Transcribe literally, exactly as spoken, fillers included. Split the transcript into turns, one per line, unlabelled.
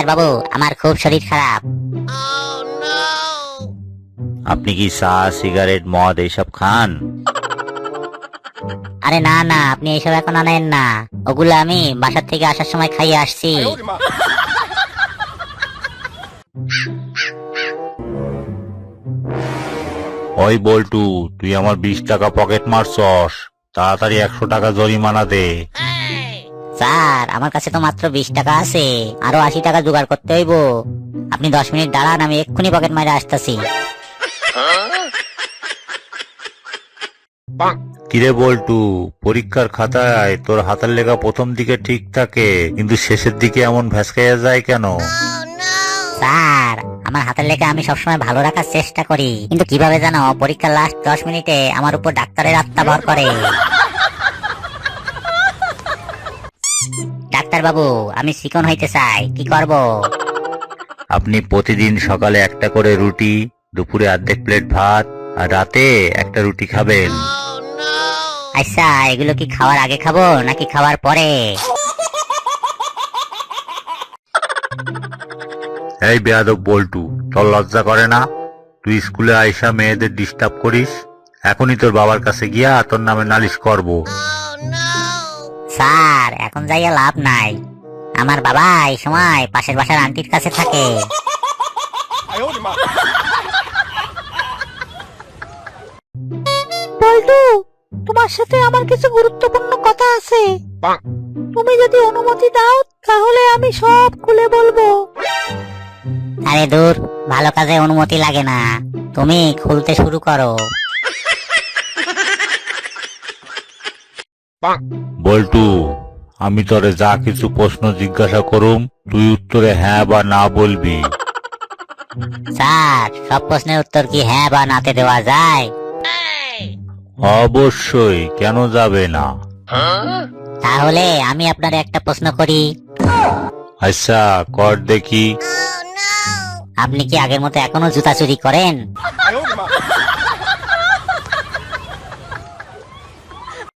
Doctor বাবু, আমার খুব শরীর খারাপ।
আপনি কি চা, সিগারেট, মদ এইসব খান?
আরে না না, আপনি এইসব এখন আনেন না, ওগুলো আমি বাসার থেকে আসার সময় খাইয়ে আসছি।
ওই বল্টু, তুই আমার বিশ টাকা পকেট মারছস, তাড়াতাড়ি একশো টাকা জরিমানা দে।
স্যার, আমার কাছে তো মাত্র বিশ টাকা আছে, আরো আশি টাকা জোগাড় করতে হইব। আপনি দশ মিনিট দাঁড়ান, আমি এক্ষুনি পকেট মারে আসতেছি।
কিরে বল্টু, পরীক্ষার খাতায় তোর হাতের লেখা প্রথম দিকে ঠিক থাকে, কিন্তু শেষের দিকে এমন ভ্যাসকাইয়া যায় কেন?
স্যার, আমার হাতের লেখা আমি সবসময় ভালো রাখার চেষ্টা করি, কিন্তু কিভাবে জানো, পরীক্ষার লাস্ট দশ মিনিটে আমার উপর ডাক্তারের আত্মা ভর করে। ডাক্তার বাবু, আমি চিকন হইতে চাই, কি করব?
আপনি প্রতিদিন সকালে একটা করে রুটি, দুপুরে অর্ধেক প্লেট ভাত, আর রাতে একটা রুটি খাবেন।
আচ্ছা, এগুলো কি খাওয়ার আগে খাবো নাকি খাওয়ার পরে?
এই বেয়াদব বল্টু, তোর লজ্জা করে না? তুই স্কুলে আইসা মেয়েদের ডিস্টার্ব করিস। এখনই তোর বাবার কাছে গিয়া তোর নামে নালিশ করব।
স্যার, এখন যাইয়া লাভ নাই, আমার বাবা এই সময় পাশের বাসার আন্টির কাছে থাকে।
বল্টু, তোমার সাথে আমার কিছু গুরুত্বপূর্ণ কথা আছে। তুমি যদি অনুমতি দাও তাহলে আমি সব খুলে বলবো।
আরে দূর, ভালো কাজে অনুমতি লাগে না, তুমি খুলতে শুরু করো।
বল্টু, আমি তোরে যা কিছু প্রশ্ন জিজ্ঞাসা করুম, তুই উত্তরে হ্যাঁ বা না বলবি।
স্যার, সব প্রশ্নের উত্তর কি হ্যাঁ বা নাতে দেওয়া যায়?
অবশ্যই, কেন যাবে না?
তাহলে আমি আপনার একটা প্রশ্ন করি।
আচ্ছা, কর দেখি।
আপনি কি আগের মতো এখনো জুতা চুরি করেন?